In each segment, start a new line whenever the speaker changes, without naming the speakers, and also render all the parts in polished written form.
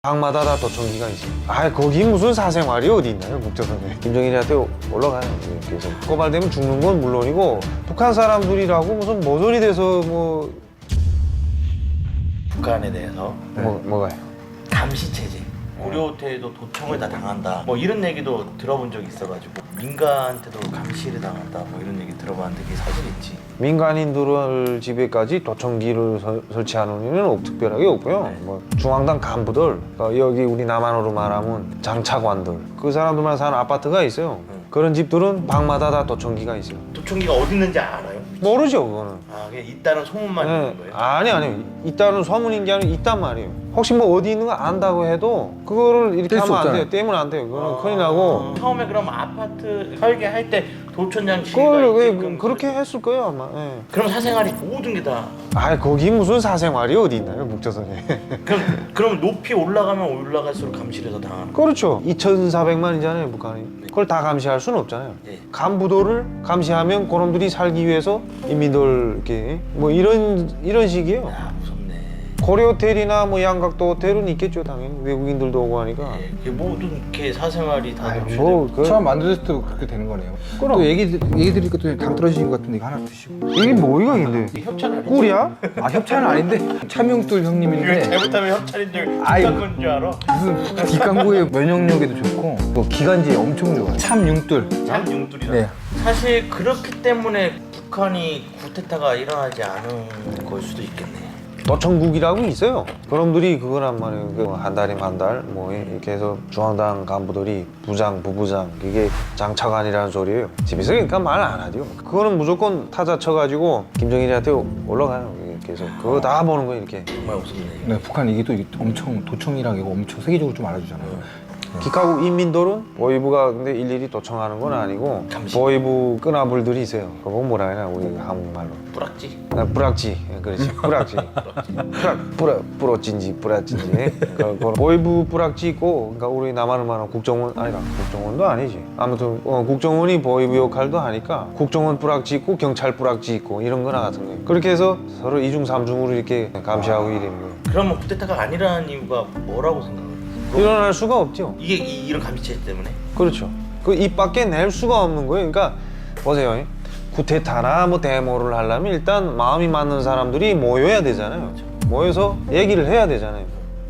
방마다 다 도청기가 있어. 아, 거기 무슨 사생활이 어디 있나요, 국제선에. 김정일한테 올라가요. 그래서 고발되면 죽는 건 물론이고, 북한 사람들이라고 무슨 모조리 돼서 뭐
북한에 대해서
뭐가요?
감시 체제, 고려 호텔도 도청을 다 당한다. 뭐 이런 얘기도 들어본 적이 있어가지고 민간한테도 감시를 당한다. 뭐 이런 얘기 들어봤는데 그게 사실인지.
민간인들 집에까지 도청기를 설치하는 일은 특별하게 없고요.
네.
뭐 중앙당 간부들, 여기 우리 남한으로 말하면 장차관들, 그 사람들만 사는 아파트가 있어요. 그런 집들은 방마다 다 도청기가 있어요.
도청기가 어디 있는지 알아요?
모르죠, 그거는.
아, 그냥 있다는 소문만
네.
있는 거예요?
아니 있다는 소문인 게 아니라 있단 말이에요. 혹시 뭐 어디 있는 거 안다고 해도 그거를 이렇게 하면 안 돼요. 떼면 안 돼요. 그거는 큰일 나고.
처음에 그럼 아파트 설계할 때 도청장 지휘가
그걸
있게끔
그렇게 했을 거예요, 아마. 예.
그럼 사생활이 모든 게 다.
아, 거기 무슨 사생활이 어디 있나요, 북조선에.
그럼 높이 올라가면 올라갈수록 감시를 더 당하는 거예요?
그렇죠. 2,400만이잖아요, 북한이. 그걸 다 감시할 수는 없잖아요.
네.
간부도를 감시하면 그놈들이 살기 위해서 인민들 이렇게 뭐 이런 식이에요.
아, 무섭네.
고려 호텔이나 뭐 양각도 호텔은 있겠죠, 당연히. 외국인들도 오고 하니까.
네. 이게 모든 이렇게 사생활이 다
아유,
노출되고.
뭐 그,
처음 만들었을 때도 그렇게 되는 거네요.
그럼.
또 얘기 들으니까 또 당 떨어지신 것 같은데 이거 하나 드시고.
이게 뭐이가 근데?
이게 협찬 아니지?
꿀이야?
아 협찬은 아닌데 참용돌
이거
형님인데
잘못하면 협찬인 줄
아이.
뒷광고인 줄 알아?
무슨 뒷광고에 면역력에도 좋고 또 기관지에 엄청 좋아. 참융돌.
참 융돌이라.
네.
사실 그렇기 때문에 북한이 쿠데타가 일어나지 않은 걸 수도 있겠네.
도청국이라고 있어요. 그놈들이 그거란 말이에요. 한 달이면 한 달, 뭐 이렇게 해서 중앙당 간부들이 부장, 부부장, 이게 장차관이라는 소리예요. 집에서 그러니까 말 안 하죠. 그거는 무조건 타자 쳐가지고 김정일한테 올라가요. 이렇게 해서 그거 다 보는 거예요, 이렇게.
정말 무섭네.
네, 북한 이게 또 엄청 도청이랑 이거 엄청 세계적으로 좀 알아주잖아요.
기카국 인민들은 보위부가 근데 일일이 도청하는 건 아니고
감시.
보위부 끄나불들이 있어요. 그거 뭐라 해나 우리 한국말로.
뿌락지.
뿌락지, 그렇지. 뿌락지. 뿌락진지 뿌락진지. 그 보위부 뿌락지 있고, 그러니까 우리 남한을 말하는 국정원 아니가 국정원도 아니지. 아무튼 국정원이 보위부 역할도 하니까 국정원 뿌락지 있고 경찰 뿌락지 있고 이런 거나 같은 거예요. 그렇게 해서 서로 이중 삼중으로 이렇게 감시하고 이러는 거예요.
그러면 쿠데타가 안 일어나는 이유가 뭐라고 생각해요?
일어날 수가 없죠.
이게 이런 감시 체제 때문에?
그렇죠. 그 입 밖에 낼 수가 없는 거예요. 그러니까 보세요. 쿠데타나 뭐 데모를 하려면 일단 마음이 맞는 사람들이 모여야 되잖아요. 모여서 얘기를 해야 되잖아요.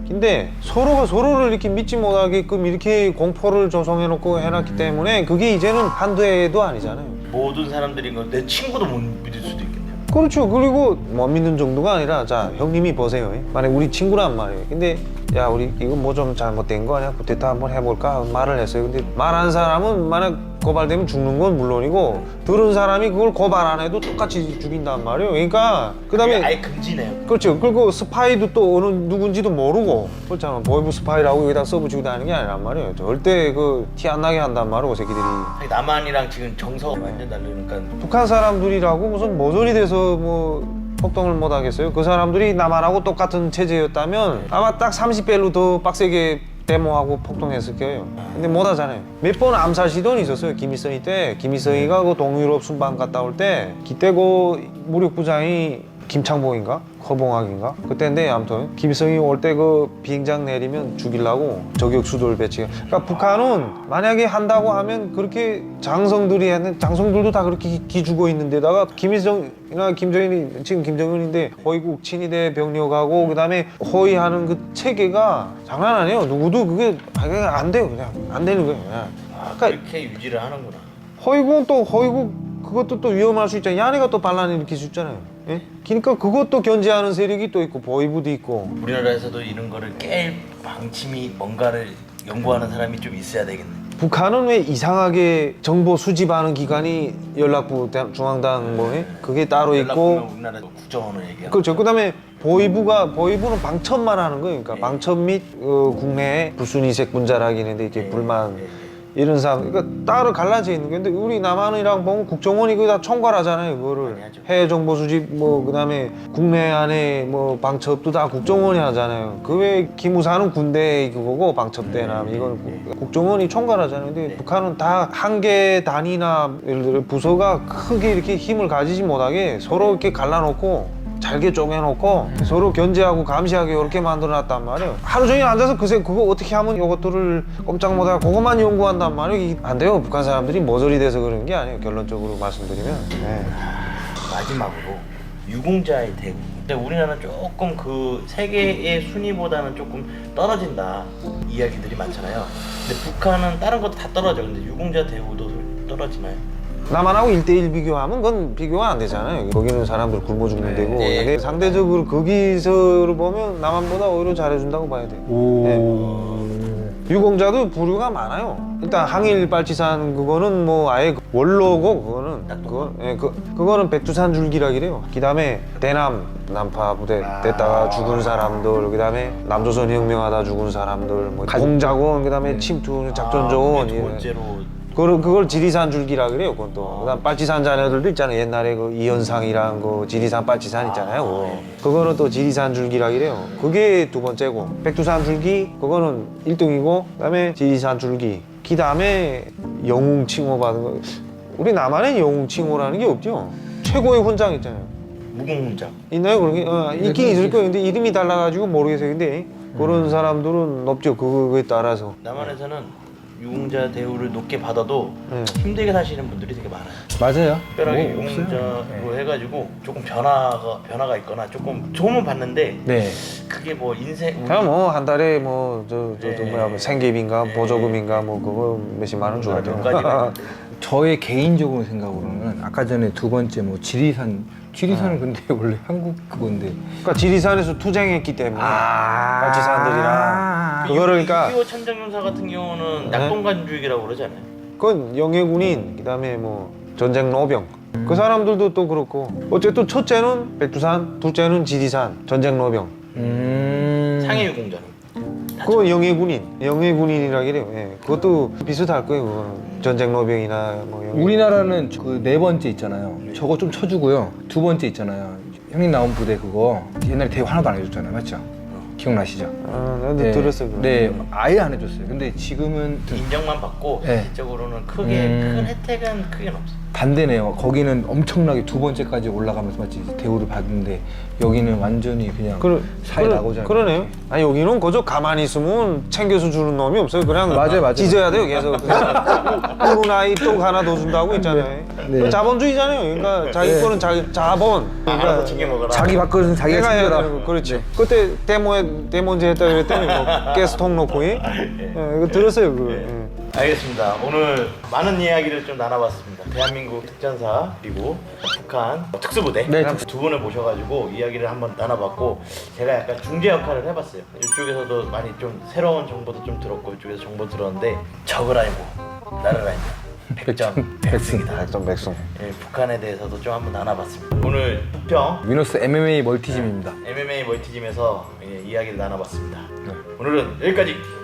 근데 서로가 서로를 이렇게 믿지 못하게끔 이렇게 공포를 조성해놓고 해놨기 때문에 그게 이제는 한두 해도 아니잖아요.
모든 사람들이 내 친구도 못 믿을 수도 있겠네요.
그렇죠. 그리고 못 믿는 정도가 아니라 자 형님이 보세요. 만약 우리 친구란 말이에요. 근데 야 우리 이거 뭐 좀 잘못된 거 아니야? 쿠데타 한번 해볼까? 말을 했어요. 근데 말한 사람은 만약 고발되면 죽는 건 물론이고 들은 사람이 그걸 고발 안 해도 똑같이 죽인단 말이에요. 그러니까 그다음에
아예 금지네요.
그렇죠. 그리고 스파이도 또 어느 누군지도 모르고 그렇잖아. 보이브 스파이라고 여기다 써붙이고 다니는 게 아니란 말이에요. 절대 그 티 안 나게 한단 말이에요. 새끼들이.
남한이랑 지금 정서가 완전 다르니까.
북한 사람들이라고 무슨 모조리 돼서 뭐 폭동을 못 하겠어요? 그 사람들이 남한하고 똑같은 체제였다면 아마 딱 30배로 더 빡세게 데모하고 폭동했을 거예요. 근데 못 하잖아요. 몇 번 암살 시도는 있었어요. 김일성이 때. 김일성이가 그 동유럽 순방 갔다 올 때 그때 그 무력부장이 김창봉인가? 허봉학인가? 그때인데 아무튼 김일성이 올 때 그 비행장 내리면 죽이려고 저격수들 배치. 그러니까 북한은 만약에 한다고 하면 그렇게 장성들이 하는 장성들도 다 그렇게 기죽어 있는 데다가 김일성이나 김정일이 지금 김정은인데 허위국 친위대 병력하고 그다음에 허위하는 그 체계가 장난 아니에요. 누구도 그게 안 돼요. 그냥 안 되는 거예요. 그냥. 그러니까
이렇게 유지를 하는구나.
허위국은 또 허위국 그것도 또 위험할 수 있잖아요. 야네가 또 반란을 일으킬 수 있잖아요. 예? 그러니까 그것도 견제하는 세력이 또 있고 보위부도 있고.
우리나라에서도 이런 거를 깰 방침이 뭔가를 연구하는 사람이 좀 있어야 되겠네.
북한은 왜 이상하게 정보 수집하는 기관이 연락부 중앙당 뭐에 그게 따로 있고.
우리나라 국정원을 얘기하고.
그렇죠. 그다음에 보위부는 방첩만 하는 거예요. 그러니까 방첩 및 국내에 불순이색 분자라기 있는데 이렇게 불만. 이런 상황, 그러니까 따로 갈라져 있는 건데 우리 남한이랑 보면 국정원이 그거 다 총괄하잖아요. 그거를 해외 정보 수집 뭐 그다음에 국내 안에 뭐 방첩도 다 국정원이 하잖아요. 그 외에 기무사는 군대 그거고 방첩대나 이건 국정원이 총괄하잖아요. 근데 북한은 다 한 개 단위나 예를 들어 부서가 크게 이렇게 힘을 가지지 못하게 서로 이렇게 갈라놓고 잘게 쪼개놓고 서로 견제하고 감시하게 이렇게 만들어놨단 말이에요. 하루 종일 앉아서 그새 그거 어떻게 하면 이것들을 꼼짝 못하고 그것만 연구한단 말이에요. 이게 안 돼요. 북한 사람들이 모조리 돼서 그런 게 아니에요. 결론적으로 말씀드리면. 네.
마지막으로 유공자의 대우. 근데 우리나라는 조금 그 세계의 순위보다는 조금 떨어진다 이야기들이 많잖아요. 근데 북한은 다른 것도 다 떨어져. 근데 유공자 대우도 떨어지나요?
남한하고 1대1 비교하면 그건 비교가 안 되잖아요. 거기는 사람들 굶어 죽는 데고.
네.
근데 상대적으로 거기서를 보면 남한보다 오히려 잘해준다고 봐야 돼요. 유공자도 부류가 많아요. 일단 항일 빨치산 그거는 뭐 아예 원로고 그거는 그거는 백두산 줄기라기래요. 그다음에 대남 난파 부대 됐다가 죽은 사람들, 그다음에 남조선 혁명하다 죽은 사람들, 뭐 공작원, 그다음에 침투 작전 조원.
두 번째로
그걸 지리산 줄기라 그래요. 그건 또. 그다음 빨치산 자녀들도 있잖아요. 옛날에 그 이현상이랑 그 지리산 빨치산 있잖아요. 그거는 또 지리산 줄기라 그래요. 그게 두 번째고, 백두산 줄기 그거는 1등이고, 그다음에 지리산 줄기. 그다음에 영웅 칭호 받은 거. 우리 남한엔 영웅 칭호라는 게 없죠. 최고의 훈장 있잖아요.
무공훈장.
있나요? 그런 게? 있긴 있을 거예요. 근데 이름이 달라가지고 모르겠어요. 근데 그런 사람들은 높죠. 그거에 따라서.
남한에서는 유공자 대우를 높게 받아도
네.
힘들게 사시는 분들이 되게 많아요.
맞아요.
특별하게
뭐
유공자로 해가지고 조금 변화가 있거나 조금 도움은 받는데
네.
그게 뭐 인생
그냥 뭐 한 달에 뭐 뭐야 뭐 생계비인가
네.
보조금인가 뭐 그거 몇십만 원 줘야
몇
돼요.
가지가 있는데
저의 개인적으로 생각으로는 아까 전에 두 번째 뭐 지리산은 근데 원래 한국 그건데.
그러니까 지리산에서 투쟁했기 때문에 빨치산들이랑 그거를 그러니까
6.25 천정용사 같은 경우는
네.
낙동간주의라고 그러잖아요.
그건 영해군인 그다음에 뭐 전쟁 노병 그 사람들도 또 그렇고 어쨌든 첫째는 백두산, 둘째는 지리산 전쟁 노병
상해 유공자는
그거 영해군인이라 그래요. 예. 그것도 비슷할 거예요. 그거는 전쟁 노병이나 뭐 영해군.
우리나라는 그 네 번째 있잖아요. 저거 좀 쳐주고요. 두 번째 있잖아요. 형님 나온 부대 그거 옛날에 대우 하나도 안 해줬잖아요. 맞죠? 기억나시죠?
나도
네.
들었어요. 그거.
네, 아예 안 해줬어요. 근데 지금은
인정만 받고
네.
실질적으로는 크게 큰 혜택은 크게 없어요.
반대네요. 거기는 엄청나게 두 번째까지 올라가면서 마치 대우를 받는데 여기는 완전히 그냥 사이 나고자.
그러네요. 아니 여기는 그저 가만히 있으면 챙겨서 주는 놈이 없어요. 그냥
맞아요.
찢어야 돼요. 계속. 꿀은 아이 또 하나 더 준다고 있잖아요.
네.
자본주의잖아요. 그러니까 자기 거는 자본.
알아서 챙겨 먹어라.
자기 밥그릇은 자기가
내가 해야
챙겨라.
되는 거. 그렇지. 그때 데모제 했다 그랬더니 뭐 가스통 놓고 예? 이거 들었어요. 그거. 예.
알겠습니다. 오늘 많은 이야기를 좀 나눠봤습니다. 대한민국 특전사 그리고 북한 특수부대
네.
두 분을 모셔가지고 이야기를 한번 나눠봤고 제가 약간 중재 역할을 해봤어요. 이쪽에서도 많이 좀 새로운 정보도 좀 들었고 이쪽에서 정보 들었는데 적을 알고 나를 알면 백전백승이다.
백성백성.
예, 북한에 대해서도 좀 한번 나눠봤습니다. 오늘 부평
위너스 MMA 멀티짐입니다.
MMA 멀티짐에서 이야기를 나눠봤습니다. 오늘은 여기까지.